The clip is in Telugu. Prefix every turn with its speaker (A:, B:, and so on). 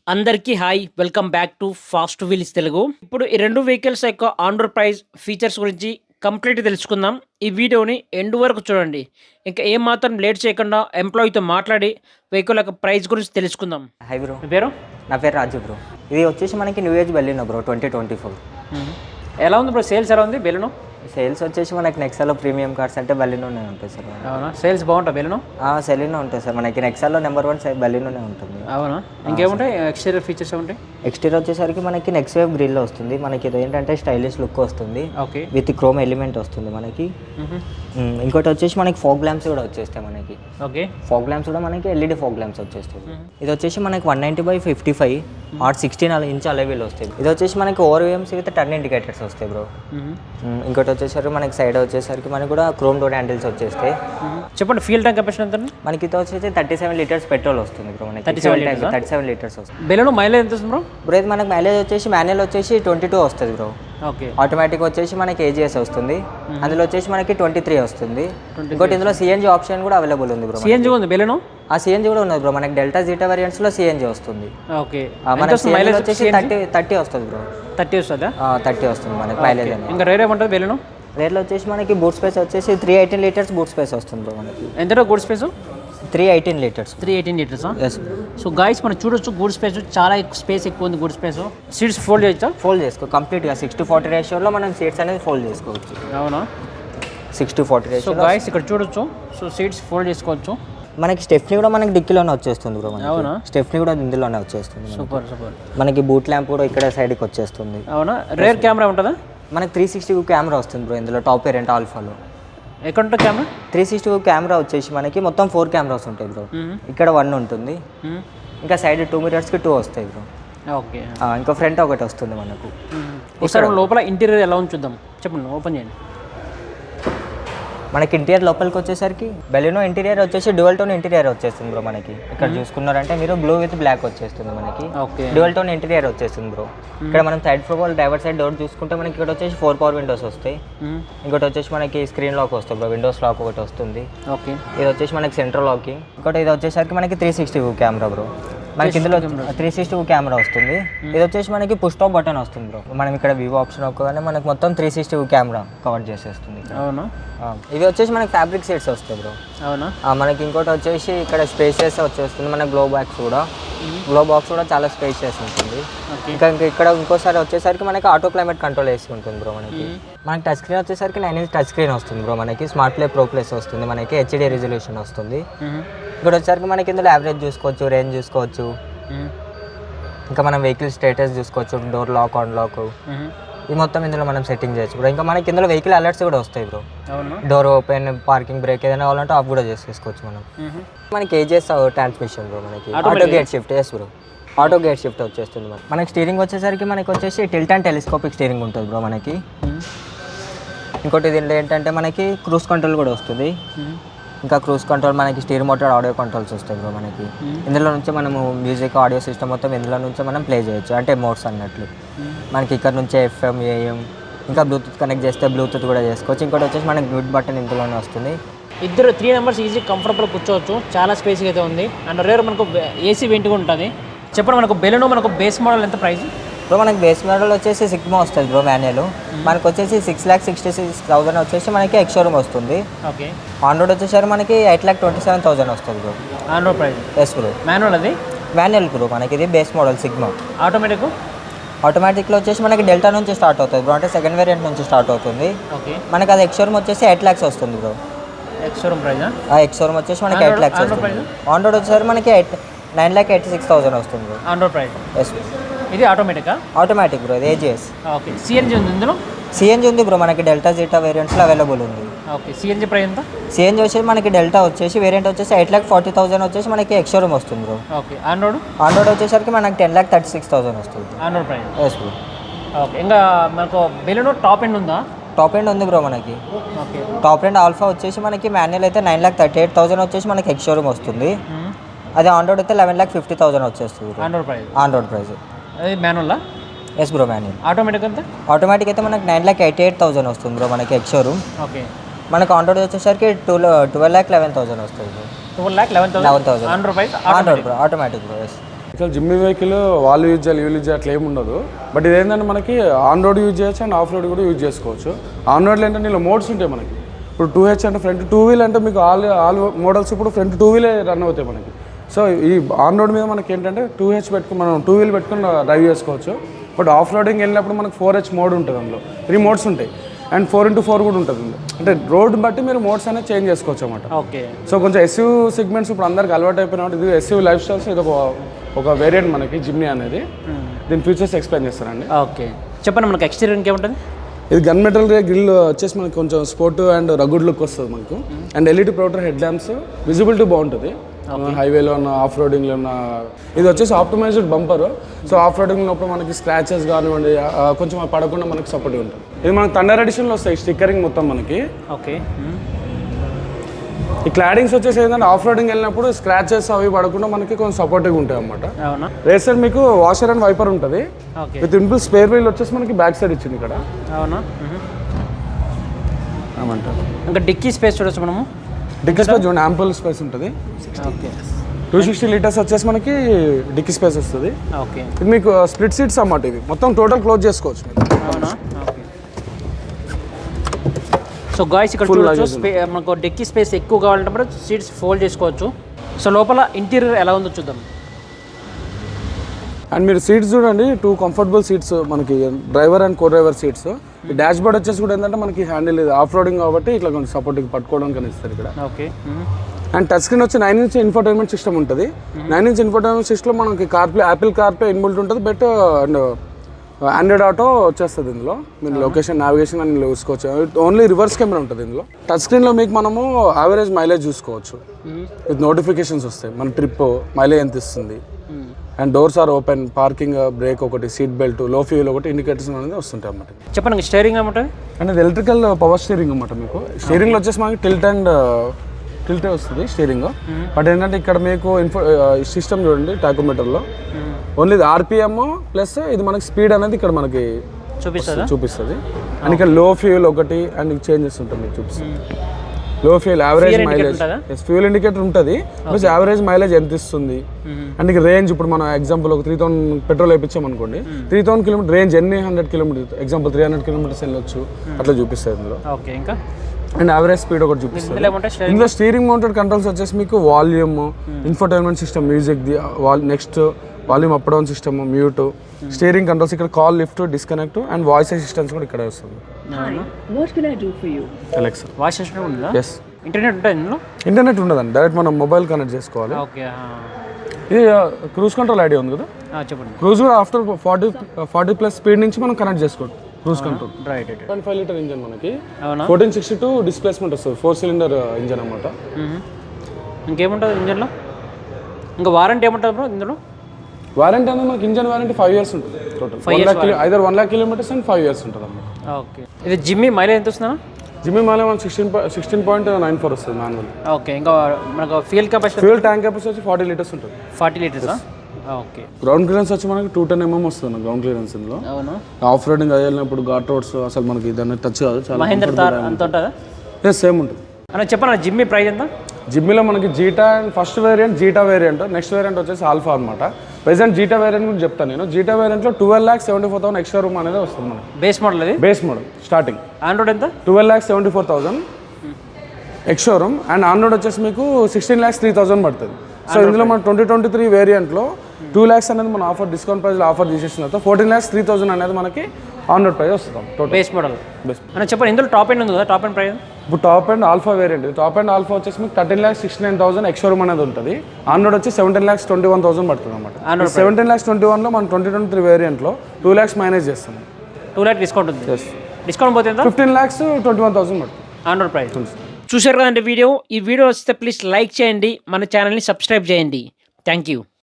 A: అందరికీ hi welcome back to fast wheels Telugu. ఇప్పుడు ఈ రెండు వెహికల్స్ యొక్క ఆన్ రోడ్ ప్రైస్ ఫీచర్స్ గురించి కంప్లీట్ తెలుసుకుందాం. ఈ వీడియోని ఎండ్ వరకు చూడండి. ఇంకా ఏం మాత్రం లేట్ చేయకుండా ఎంప్లాయీతో మాట్లాడి వెహికల్ యొక్క ప్రైస్ గురించి తెలుసుకుందాం.
B: హై బ్రో,
A: మీ పేరు?
B: నా పేరు రాజు బ్రో. ఇది వచ్చేసి మనకి న్యూ ఏజ్ బెలినో బ్రో 2024.
A: ఎలా ఉంది బ్రో? సేల్స్ ఎలా ఉంది బెలూను?
B: సేల్స్ వచ్చేసి మనకి నెక్సాలో ప్రీమియం కార్స్ అంటే బెలినోనే ఉంటాయి సార్.
A: అవునా? సేల్స్ బాగుంటుంది బెలూను?
B: సెలినో ఉంటుంది సార్. మనకి నెక్సాలో నెంబర్ 1 బెలినోనే ఉంటుంది.
A: అవునా? ఇంకేముంటాయి ఎక్స్టీరియర్ ఫీచర్స్ ఏముంటాయి?
B: ఎక్స్టీరియర్ వచ్చేసరికి మనకి నెక్స్ట్ వేవ్ గ్రిల్ వస్తుంది. మనకి ఇది ఏంటంటే స్టైలిష్ లుక్ వస్తుంది.
A: ఓకే.
B: విత్ క్రోమ్ ఎలిమెంట్ వస్తుంది మనకి. ఇంకోటి వచ్చేసి మనకి ఫోగ్ ల్యాంప్స్ కూడా వచ్చేస్తాయి మనకి.
A: ఓకే.
B: ఫోగ్ ల్యాంప్స్ కూడా మనకి ఎల్ఈడి ఫోగ్ ల్యాంప్స్ వచ్చేస్తాయి. ఇది వచ్చేసి మనకి 190/55 ఆర్ 16 ఇంచ్ అలైవీల్ వస్తాయి. ఇది వచ్చేసి మనకి ఓవర్వేమ్స్ విత్ టర్న్ ఇండికేటర్స్ వస్తాయి బ్రో. ఇంకోటి వచ్చేసరికి మనకి సైడ్ వచ్చేసరికి మనకి కూడా క్రోమ్ డోర్ హ్యాండిల్స్ వచ్చేస్తాయి.
A: చెప్పండి, ఫ్యూల్ ట్యాంక్ కెపాసిటీ ఎంత?
B: మనకి ఇది వచ్చేసి 37 లీటర్స్ పెట్రోల్ వస్తుంది బ్రో. మనకి 37 లీటర్స్ వస్తుంది.
A: బెలూను మైలేజ్ ఎంత వస్తుంది బ్రో?
B: బ్రో ఇది మనకి మైలేజ్ వచ్చేసి మాన్యువల్ వచ్చేసి 22 వస్తుంది బ్రో.
A: ఓకే.
B: ఆటోమేటిక్ వచ్చేసి మనకి ఏజీఎస్ వస్తుంది. అందులో వచ్చేసి మనకి 23 వస్తుంది. ఇంకోటి ఇందులో సిఎన్జీ ఆప్షన్ కూడా అవైలబుల్ ఉంది బ్రో.
A: సిఎన్జీ ఉంది బెలూను?
B: ఆ సిఎన్జీ కూడా ఉన్నది బ్రో. మనకి డెల్టా జీటా వేరియంట్స్ లో సిఎన్జీ వస్తుంది.
A: ఓకే.
B: మనకి మైలేజ్ వచ్చేసి 30 వస్తుంది బ్రో.
A: 30 వస్తుందా?
B: 30 వస్తుంది మనకి మైలేజ్.
A: ఇంకా రేట్ ఏమంటుంది బెలూను?
B: రేట్లో వచ్చేసి మనకి బూట్ స్పేస్ వచ్చేసి 318 లీటర్స్ బూట్ స్పేస్ వస్తుంది బ్రో మనకి.
A: ఎంత good space?
B: 318 litres.
A: 318 litres.
B: Yes.
A: So guys మనం చూడొచ్చు, గూడ్ స్పేస్ చాలా స్పేస్ ఎక్కువ ఉంది. Good space. సీట్స్ ఫోల్డ్ చేయొచ్చా?
B: ఫోల్డ్ చేసుకో కంప్లీట్గా 60/40 రేషియోలో మనం సీట్స్ అనేది ఫోల్డ్ చేసుకోవచ్చు.
A: అవునా?
B: 60/40
A: సో
B: రేషియో.
A: గాయస్ ఇక్కడ చూడొచ్చు, సో సీట్స్ ఫోల్డ్ చేసుకోవచ్చు.
B: మనకి స్టెఫ్నీ కూడా మనకి డిక్కీలోనే వచ్చేస్తుంది బ్రో.
A: అవునా?
B: స్టెఫ్నీ కూడా ఇందులోనే వచ్చేస్తుంది.
A: Super super.
B: మనకి బూట్ ల్యాంప్ కూడా ఇక్కడ సైడ్కి వచ్చేస్తుంది.
A: అవునా? రేర్ కెమెరా ఉంటుందా?
B: మనకి 360 కెమెరా వస్తుంది బ్రో ఇందులో. టాప్ వేరియంట్ ఆల్ఫాలో
A: ఎక్కడ ఉంటుంది కెమెరా?
B: 360 కెమెరా వచ్చేసి మనకి మొత్తం 4 కెమెరాస్ ఉంటాయి బ్రో. ఇక్కడ 1 ఉంటుంది. ఇంకా సైడ్ 2 మిరర్స్కి 2 వస్తాయి బ్రో.
A: ఓకే.
B: ఇంకా ఫ్రంట్ ఒకటి వస్తుంది మనకు.
A: ఒకసారి లోపల ఇంటీరియర్ ఎలా ఉంది చూద్దాం. చెప్పండి, ఓపెన్ చేయండి.
B: మనకి ఇంటీరియర్ లోపలికి వచ్చేసరికి బెలినో ఇంటీరియర్ వచ్చేసి డ్యువల్ టోన్ ఇంటీరియర్ వచ్చేస్తుంది బ్రో మనకి. ఇక్కడ చూసుకున్నారంటే మీరు బ్లూ విత్ బ్లాక్ వచ్చేస్తుంది మనకి.
A: ఓకే.
B: డ్యువల్ టోన్ ఇంటీరియర్ వచ్చేస్తుంది బ్రో. ఇక్కడ మనం side profile driver side door చూసుకుంటే మనకి ఇక్కడ వచ్చేసి 4 పవర్ విండోస్ వస్తాయి. ఇంకోటి వచ్చేసి మనకి స్క్రీన్ లాక్ వస్తుంది బ్రో. విండోస్ లాక్ ఒకటి వస్తుంది.
A: ఓకే.
B: ఇది వచ్చేసి మనకి సెంట్రల్ లాకింగ్. ఇంకోటి ఇది వచ్చేసరికి మనకి 360 కెమెరా బ్రో. మనకి ఇందులో 360 కెమెరా వస్తుంది. ఇది వచ్చేసి మనకి పుష్ టాప్ బటన్ వస్తుంది బ్రో. మనం ఇక్కడ వివో ఆప్షన్ ఒక్కగానే మనకి మొత్తం 360 కెమెరా కవర్ చేసేస్తుంది.
A: అవునా?
B: ఇవి వచ్చేసి మనకి ఫ్యాబ్రిక్ సీట్స్ వస్తాయి బ్రో.
A: అవునా?
B: మనకి ఇంకోటి వచ్చేసి ఇక్కడ స్పేషియస్ వచ్చేస్తుంది. మన గ్లో బాక్స్ కూడా చాలా స్పేషియస్ ఉంటుంది. ఇంకా ఇక్కడ ఇంకోసారి వచ్చేసరికి మనకి ఆటో క్లైమేట్ కంట్రోల్ వేసి ఉంటుంది బ్రో మనకి. మనకి టచ్ స్క్రీన్ వచ్చేసరికి 9 ఇంచ్ టచ్ స్క్రీన్ వస్తుంది బ్రో మనకి. స్మార్ట్ ప్లే ప్రో ప్లస్ వస్తుంది మనకి. హెచ్డి రెజల్యూషన్ వస్తుంది. ఇక్కడ వచ్చేసరికి మనకి ఇందులో యావరేజ్ చూసుకోవచ్చు, రేంజ్ చూసుకోవచ్చు, ఇంకా మనం వెహికల్ స్టేటస్ చూసుకోవచ్చు, డోర్ లాక్ ఆన్ లాక్, ఈ మొత్తం ఇందులో మనం సెట్టింగ్ చేయొచ్చు బ్రో. ఇంకా మనకి ఇందులో వెహికల్ అలర్ట్స్ కూడా వస్తాయి bro. Door open, parking brake ఏదైనా కావాలంటే ఆఫ్ కూడా చేసుకోవచ్చు మనం. మనకి ఏజెస్ ట్రాన్స్మిషన్ బ్రో మనకి. Auto gate shift yes bro. Auto gate shift వచ్చేస్తుంది మనకి. స్టీరింగ్ వచ్చేసరికి మనకి వచ్చేసి టిల్ట్ అండ్ టెలిస్కోపిక్ స్టీరింగ్ ఉంటుంది బ్రో మనకి. ఇంకోటి దీంట్లో ఏంటంటే మనకి క్రూజ్ కంట్రోల్ కూడా వస్తుంది. ఇంకా క్రూజ్ కంట్రోల్ మనకి స్టీర్ మోటార్ ఆడియో కంట్రోల్స్ వస్తాయి బ్రో మనకి. ఇందులో నుంచి మనము మ్యూజిక్ ఆడియో సిస్టమ్ మొత్తం ఇందులో నుంచి మనం ప్లే చేయొచ్చు, అంటే మోడ్స్ అన్నట్లు. మనకి ఇక్కడ నుంచే FM, AM, ఇంకా బ్లూటూత్ కనెక్ట్ చేస్తే బ్లూటూత్ కూడా చేసుకోవచ్చు. ఇంకోటి వచ్చేసి మనకి మ్యూట్ బటన్ ఇందులోనే వస్తుంది.
A: ఇద్దరు 3 మెంబర్స్ ఈజీ కంఫర్టబుల్ కూర్చోవచ్చు. చాలా స్పేస్గా అయితే ఉంది. అండ్ రేర్ మనకు ఏసీ వెంట్ కూడా ఉంటుంది. చెప్పండి, మనకు బెలూను మనకు బేస్ మోడల్ ఎంత ప్రైస్?
B: బ్రో మనకి బేస్ మోడల్ వచ్చేసి సిగ్మా వస్తుంది బ్రో మాన్యువల్. మనకు వచ్చేసి 6,66,000 వచ్చేసి మనకి ఎక్స్ షోరూమ్ వస్తుంది.
A: ఓకే.
B: ఆన్ రోడ్ వచ్చేసరికి మనకి 8,27,000 వస్తుంది bro.
A: On road price?
B: Yes bro.
A: Manual అది?
B: మాన్యువల్ బ్రో మనకి. ఇది బేస్ మోడల్ సిగ్మా.
A: ఆటోమేటిక్?
B: ఆటోమేటిక్లో వచ్చేసి మనకి డెల్టా నుంచి స్టార్ట్ అవుతుంది బ్రో, అంటే సెకండ్ వేరియంట్ నుంచి స్టార్ట్ అవుతుంది.
A: ఓకే.
B: మనకి అది ఎక్స్ షోరూమ్ వచ్చేసి 8 lakhs వస్తుంది bro.
A: Ex showroom price?
B: Ex showroom వచ్చేసి మనకి 8 lakhs వస్తుంది. ఆన్ రోడ్ వచ్చేసరికి మనకి 9,86,000 వస్తుంది bro.
A: On road price?
B: Yes bro.
A: ఇది ఆటోమేటికా?
B: Automatic bro. ఇది ఏజిఎస్.
A: ఓకే. సిఎన్జీ ఉంది ఇందులో?
B: సిఎన్జీ ఉంది బ్రో మనకి. డెల్టా జీటా వేరియంట్స్లో అవైలబుల్ ఉంది.
A: ఓకే. సిఎన్జీ ప్రైస్ ఎంత?
B: సిఎన్జీ వచ్చేసి మనకి డెల్టా వచ్చేసి వేరియంట్ వచ్చేసి 8,40,000 వచ్చేసి మనకి ఎక్స్ షోరూమ్ వస్తుంది bro.
A: Okay. On road?
B: On road వచ్చేసరికి మనకి 10,36,000 వస్తుంది.
A: On road price?
B: Yes bro.
A: Okay. ఇంకా మనకు బెలూను టాప్ ఎండ్ ఉందా?
B: టాప్ ఎండ్ ఉంది బ్రో మనకి.
A: ఓకే.
B: టాప్ ఎండ్ ఆల్ఫా వచ్చేసి మనకి మాన్యువల్ అయితే 9,38,000 వచ్చేసి మనకి ఎక్స్ షోరూమ్ వస్తుంది. అది ఆన్ రోడ్ అయితే 11,50,000 వచ్చేస్తుంది.
A: On road price?
B: On road price.
A: అది మాన్యువల్లా?
B: Yes bro manual.
A: ఆటోమేటిక్ ఎంత?
B: ఆటోమేటిక్ అయితే మనకి 9,88,000 వస్తుంది బ్రో మనకి ఎక్స్ షోరూమ్.
A: ఓకే.
B: మనకి ఆన్ రోడ్ వచ్చేసరికి 12,11,000 వస్తుంది bro.
A: 12,11,000 on road price?
B: On road bro. Automatic bro. Yes.
C: అసలు జిమ్మి వెహికల్ వాళ్ళు యూజ్ చేయాలి వీళ్ళు యూజ్ చేయాలి అట్లా ఏమి ఉండదు. బట్ ఇదేంటంటే మనకి ఆన్ రోడ్ యూజ్ చేయొచ్చు అండ్ ఆఫ్ రోడ్ కూడా యూజ్ చేసుకోవచ్చు. ఆన్ రోడ్లో ఏంటంటే ఇలా మోడ్స్ ఉంటాయి మనకి. ఇప్పుడు 2H అంటే ఫ్రంట్ 2 వీల్ అంటే మీకు ఆల్ మోడల్స్ ఇప్పుడు ఫ్రంట్ 2 వీలే రన్ అవుతాయి మనకి. సో ఈ ఆన్ రోడ్ మీద మనకి ఏంటంటే 2H పెట్టుకుని మనం 2 వీల్ పెట్టుకుని డ్రైవ్ చేసుకోవచ్చు. బట్ ఆఫ్ రోడింగ్ వెళ్ళినప్పుడు మనకు 4H మోడ్ ఉంటుంది, అందులో 3 మోడ్స్ ఉంటాయి అండ్ 4x4 కూడా ఉంటుంది. అంటే రోడ్ బట్టి మీరు మోడ్స్ అనేది చేంజ్ చేసుకోవచ్చు అన్నమాట.
A: ఓకే. సో
C: కొంచెం ఎస్యూ సెగ్మెంట్స్ ఇప్పుడు అందరికి అలవాటు అయిపోయినప్పుడు ఇది ఎస్యూ లైఫ్ స్టైల్స్ ఇది ఒక వేరియంట్ మనకి జిమ్నీ అనేది. దీని ఫీచర్స్ ఎక్స్ప్లెయిన్ చేస్తారండి.
A: ఓకే చెప్పండి. మనకి ఎక్స్టీరియర్ ఇంకేముంటుంది?
C: ఇది గన్ మెటల్ గ్రిల్ వచ్చేసి మనకి కొంచెం స్పోర్ట్ అండ్ రగుడ్ లుక్ వస్తుంది మనకు. And LED projector head lamps, visibility బాగుంటుంది హైవేలో ఉన్న ఆఫ్ రోడింగ్లో ఉన్న. ఇది వచ్చేసి optimised bumper. So off roading ఉన్నప్పుడు మనకి స్క్రాచెస్ కానివ్వండి కొంచెం పడకుండా మనకి సపోర్ట్గా ఉంటుంది. ఇది మనకి థండర్ ఎడిషన్లో వస్తాయి స్టిక్కరింగ్ మొత్తం మనకి.
A: ఓకే.
C: ఈ క్లాడింగ్స్ వచ్చేసి ఏంటంటే ఆఫ్ రోడింగ్ వెళ్ళినప్పుడు స్క్రాచెస్ అవి పడకుండా మనకి కొంచెం సపోర్టివ్గా ఉంటాయి అన్నమాట.
A: అవునా.
C: రేసర్ మీకు వాషర్ అండ్ వైపర్ ఉంటుంది. విత్ ఇన్బుల్ స్పేర్ వీల్ వచ్చేసి మనకి బ్యాక్ సైడ్ ఇచ్చింది ఇక్కడ.
A: అవునా.
C: ఏమంటారు
A: ఇంకా డిక్కీ స్పేస్ చూడొచ్చు మనము.
C: డిక్కీ స్పేస్ చూడండి, యాంపుల్ స్పేస్ ఉంటుంది.
A: ఓకే.
C: 260 లీటర్స్ వచ్చేసి మనకి డిక్కీ స్పేస్ వస్తుంది.
A: ఓకే.
C: ఇది మీకు స్ప్లిట్ సీట్స్ అన్నమాట. ఇది మొత్తం టోటల్ క్లోజ్ చేసుకోవచ్చు మీరు.
A: అవునా. ఓకే. సో గాయ్స్ ఇక్కడ చూడొచ్చు మనకు డిక్కీ స్పేస్ ఎక్కువ కావాలంటే సీట్స్ ఫోల్డ్ చేసుకోవచ్చు. సో లోపల ఇంటీరియర్ ఎలా ఉందో చూద్దాం.
C: అండ్ మీరు సీట్స్ చూడండి, 2 కంఫర్టబుల్ సీట్స్ మనకి driver and co driver seats. ఈ డాష్ బోర్డ్ వచ్చేసి కూడా ఏంటంటే మనకి హ్యాండిల్ ఇది ఆఫ్ రోడింగ్ కాబట్టి ఇట్లా కొంచెం సపోర్ట్గా పట్టుకోవడానికి ఇస్తారు ఇక్కడ.
A: ఓకే.
C: అండ్ టచ్ స్క్రీన్ వచ్చి 9-inch ఇన్ఫోటైన్మెంట్ సిస్టమ్ ఉంటుంది. 9-inch ఇన్ఫోటైన్మెంట్ సిస్టమ్ మనకి కార్ప్లే యాపిల్ కార్ప్లే ఇన్బుల్ట్ ఉంటుంది. బట్ అండ్ ఆండ్రాయిడ్ ఆటో వచ్చేస్తుంది ఇందులో. మీరు లొకేషన్ నావిగేషన్ అని చూసుకోవచ్చు. ఓన్లీ రివర్స్ కెమెరా ఉంటుంది ఇందులో. టచ్ స్క్రీన్లో మీకు మనము యావరేజ్ మైలేజ్ చూసుకోవచ్చు. విత్ నోటిఫికేషన్స్ వస్తాయి మన ట్రిప్ మైలేజ్ ఎంత ఇస్తుంది. And doors are open, parking brake ఒకటి, సీట్ బెల్ట్, లో ఫ్యూల్ ఒకటి, ఇండికేటర్స్ అనేది వస్తుంటాయి అన్నమాట.
A: చెప్పండి స్టీరింగ్ ఏమంటుంది?
C: అండ్ ఇది ఎలక్ట్రికల్ పవర్ స్టీరింగ్ అన్నమాట. మీకు స్టీరింగ్లో వచ్చేసి మనకి టిల్టే వస్తుంది స్టీరింగ్. బట్ ఏంటంటే ఇక్కడ మీకు సిస్టమ్ చూడండి టాకోమీటర్లో ఓన్లీ ఆర్పిఎం ప్లస్ ఇది మనకి స్పీడ్ అనేది ఇక్కడ మనకి చూపిస్తుంది. అండ్ ఇక్కడ లో ఫ్యూల్ ఒకటి అండ్ చేంజెస్ ఉంటుంది మీకు చూపిస్తుంది. Low fuel average mileage, fuel indicator ఉంటుంది ప్లస్ యావరేజ్ మైలేజ్ ఎంత ఇస్తుంది. అండ్ ఇక రేంజ్ ఇప్పుడు మనం ఎగ్జాంపుల్ ఒక 3000 పెట్రోల్ వేయించాం అనుకోండి, 3000 కిలోమీటర్ రేంజ్ ఎన్ని 100 కిలోమీటర్స్ ఎగ్జాంపుల్ 300 కిలోమీటర్స్ వెళ్ళొచ్చు అట్లా చూపిస్తుంది ఇందులో.
A: ఇంకా
C: అండ్ యావరేజ్ స్పీడ్ ఒకటి చూపిస్తుంది. ఇందులో స్టీరింగ్ మౌంటెడ్ కంట్రోల్స్ వచ్చేసి మీకు volume, infotainment system, music the next volume up down system, mute, steering controls, ఇక్కడ call lift, disconnect and voice assistance కూడా ఇక్కడ వస్తుంది. అలెక్సా
A: వాయిస్ అసిస్టెంట్ ఉందా?
C: ఎస్.
A: ఇంటర్నెట్ ఉంటుంది ఇందులో?
C: ఇంటర్నెట్ ఉండదండి, డైరెక్ట్ మనం మొబైల్ కనెక్ట్ చేసుకోవాలి.
A: ఓకే.
C: ఇది క్రూజ్ కంట్రోల్ ఐడియా ఉంది కదా,
A: చెప్పండి.
C: క్రూజ్ కూడా ఆఫ్టర్ 40+ స్పీడ్ నుంచి మనం కనెక్ట్ చేసుకోవచ్చు. Cruise control.
A: Right.
C: 1.5 litre engine మనకి 1462 డిస్ప్లేస్మెంట్ వస్తుంది. 4 సిలిండర్ ఇంజన్ అన్నమాట.
A: ఇంకేముంటుంది ఇంజన్లో? ఇంకా వారంటీ ఏముంటుంది బ్రో ఇందులో?
C: వారంటీ అనేది మనకి ఇంజన్ వారంటీ 5 years ఉంటుంది total. 1 lakh kilometers and 5 years ఉంటుంది అన్నమాట.
A: ఓకే. ఇది జిమ్మి మైలేజ్ ఎంత వస్తుందా?
C: జిమ్మి మైలేజ్ మనకి 16.94 వస్తుంది మాన్యువల్.
A: ఓకే. ఇంకా మనకు fuel capacity,
C: fuel tank capacity వచ్చి 40 liters ఉంటుంది.
A: 40 liters. ఓకే.
C: గ్రౌండ్ క్లియరెన్స్ వచ్చి మనకి 210 mm వస్తుంది గ్రౌండ్ క్లియరెన్స్ ఇందులో.
A: అవును.
C: ఆఫ్ రోడింగ్ వెళ్ళినప్పుడు ఘాట్ రోడ్స్ అసలు మనకి దాన్ని టచ్ కాదు. చాలా
A: మహేంద్ర తార్ అంత ఉంటుందా?
C: సేమ్ ఉంటుంది
A: అన్న. చెప్పండి జిమ్మి ప్రైస్ ఎంత?
C: జిమ్మిలో మనకి Zeta and first variant Zeta variant, next variant వచ్చేసి ఆల్ఫా అనమాట. ప్రెసెంట్ జీటా వేరియంట్ గురించి చెప్తాను నేను. జీటా వేరియంట్లో 12,74,000 ఎక్స్ట్రా రూమ్ అనేది వస్తుంది మనకి.
A: బేస్ మోడల్ అది?
C: Base model starting.
A: ఆండ్రాయిడ్ ఎంత?
C: 12,74,000 ఎక్స్ట్రా రూమ్ అండ్ ఆండ్రాయిడ్ వచ్చేసి మీకు 16,03,000 పడుతుంది. సో ఇందులో మన 2023 వేరియంట్లో 2 lakhs అనేది మన ఆఫర్ డిస్కౌంట్ ప్రైస్లో ఆఫర్ చేసేసిన తర్వాత 14,03,000 అనేది మనకి ఆన్రోడ్ ప్రైస్ వస్తుంది టోటల్.
A: Base model. అని చెప్పండి ఇందులో టాప్ ఎండ్ ఉంది కదా, టాప్ ఎండ్ ప్రైస్?
C: ఇప్పుడు top and Alpha variant. Top and Alpha వచ్చేసి మీకు 13,69,000 ఎక్స్ట్రా రూమ్ అనేది ఉంటుంది. ఆన్రోడ్ వచ్చి 17,21,000 పడుతుంది అనమాట. 17,21,000లో మన 2023 వేరియంట్లో 2 lakhs మైనస్ చేస్తాం.
A: 2 lakh డిస్కౌంట్ ఉంది. డిస్కౌంట్ పోతే
C: 15,21,000 పడుతుంది
A: ఆన్రోడ్ ప్రైస్. చూశారు కదండి వీడియో. ఈ వీడియో వస్తే ప్లీజ్ లైక్ చేయండి, మన ఛానల్ని సబ్స్క్రైబ్ చేయండి. Thank you.